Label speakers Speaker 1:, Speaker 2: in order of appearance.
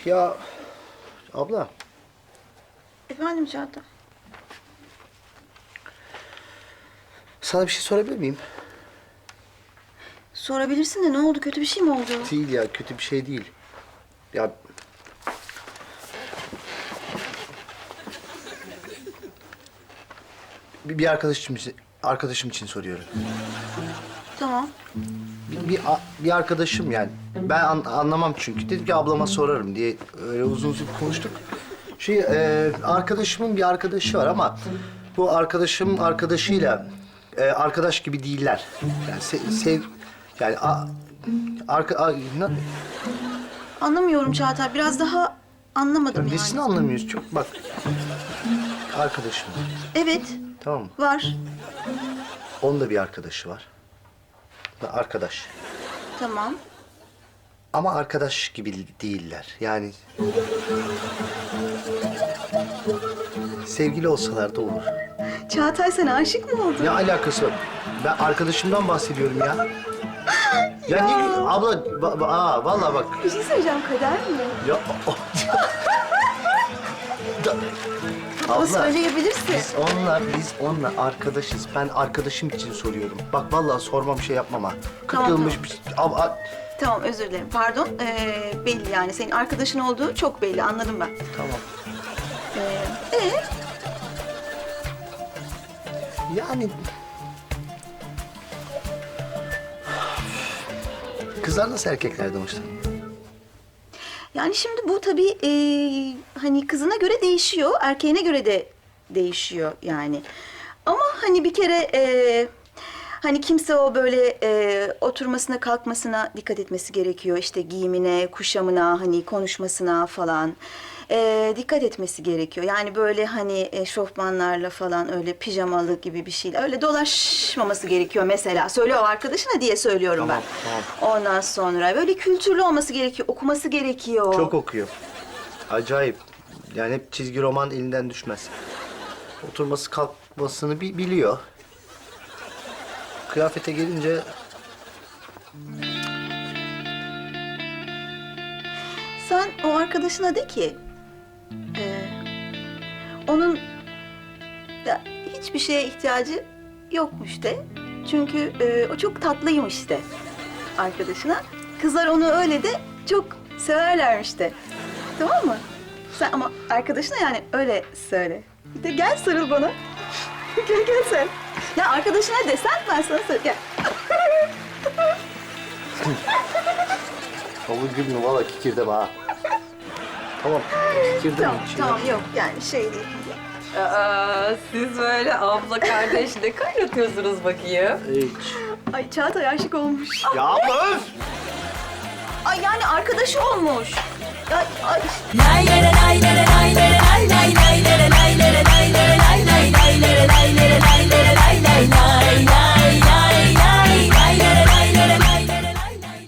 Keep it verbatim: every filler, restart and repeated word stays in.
Speaker 1: Ya abla,
Speaker 2: Efendim Çağatay?
Speaker 1: sana bir şey sorabilir miyim?
Speaker 2: Sorabilirsin de ne oldu? Kötü bir şey mi oldu?
Speaker 1: Değil ya, kötü bir şey değil. Ya bir, bir arkadaşım için, arkadaşım için soruyorum.
Speaker 2: Tamam.
Speaker 1: Bir, bir, a- bir arkadaşım yani. Ben an- anlamam çünkü. Dedim ki ablama sorarım diye öyle uzun uzun konuştuk. Şey, e, arkadaşımın bir arkadaşı var ama bu arkadaşım arkadaşıyla e, arkadaş gibi değiller. Yani se- sev yani a, arka, a- na-
Speaker 2: Anlamıyorum Çağatay. Biraz daha anlamadım yani.
Speaker 1: nesini anlamıyoruz çok bak. Arkadaşım.
Speaker 2: Evet.
Speaker 1: Tamam mı?
Speaker 2: Var.
Speaker 1: Onun da bir arkadaşı var. Arkadaş.
Speaker 2: Tamam.
Speaker 1: Ama arkadaş gibi değiller. Yani sevgili olsalar da olur.
Speaker 2: Çağatay sen aşık mı oldun?
Speaker 1: Ne alakası var? Ben arkadaşımdan bahsediyorum ya. Ya, ne abla ba- ba- aa vallahi bak.
Speaker 2: Bir şey söyleyeceğim. Kader mi?
Speaker 1: Ya Da-
Speaker 2: Ama
Speaker 1: abla
Speaker 2: söyleyebilirsin.
Speaker 1: biz onunla biz onunla arkadaşız. Ben arkadaşım için soruyorum. Bak vallahi sormam şey yapmam ha. Kırk
Speaker 2: Tamam,
Speaker 1: yılmış
Speaker 2: tamam.
Speaker 1: bir ab- a-
Speaker 2: Tamam özür dilerim. Pardon. Ee, belli yani. Senin arkadaşın olduğu çok belli. Anladım ben.
Speaker 1: tamam.
Speaker 2: Ee, ee?
Speaker 1: Yani kızlar nasıl erkeklerden hoşlanıyor?
Speaker 2: Yani şimdi bu tabii ee, hani kızına göre değişiyor. Erkeğine göre de değişiyor yani. Ama hani bir kere ee, hani kimse o böyle ee, oturmasına kalkmasına dikkat etmesi gerekiyor. İşte giyimine, kuşamına, hani konuşmasına falan ee, dikkat etmesi gerekiyor. Yani böyle hani eşofmanlarla falan öyle pijamalı gibi bir şeyle öyle dolaşmaması gerekiyor mesela. Söyle o arkadaşına diye söylüyorum
Speaker 1: Tamam,
Speaker 2: ben. Ondan sonra böyle kültürlü olması gerekiyor, okuması gerekiyor.
Speaker 1: Çok okuyor. Acayip. Yani hep çizgi roman elinden düşmez. Oturması kalkmasını bi- biliyor. Kıyafete gelince
Speaker 2: Sen o arkadaşına de ki, e, onun da hiçbir şeye ihtiyacı yokmuş de. Çünkü e, o çok tatlıymış de arkadaşına. Kızlar onu öyle de çok severlermiş de. Tamam mı? Sen ama arkadaşına yani öyle söyle. Bir de gel sarıl bana. Gel gel sen. Ya arkadaşına desen ben sana söyle. Gel.
Speaker 1: Kabul gülmüyor valla kikirde ha. Tamam kikirde
Speaker 2: Tamam,
Speaker 1: mi? Şey
Speaker 2: tamam yok yani şey değil.
Speaker 3: Aa, siz böyle abla kardeş ne kaynatıyorsunuz bakayım?
Speaker 1: Hiç.
Speaker 2: Ay Çağatay aşık olmuş.
Speaker 1: Ya abla öf!
Speaker 2: Ay yani arkadaşı olmuş. Ya, ay,
Speaker 4: Lay lay lay lay lay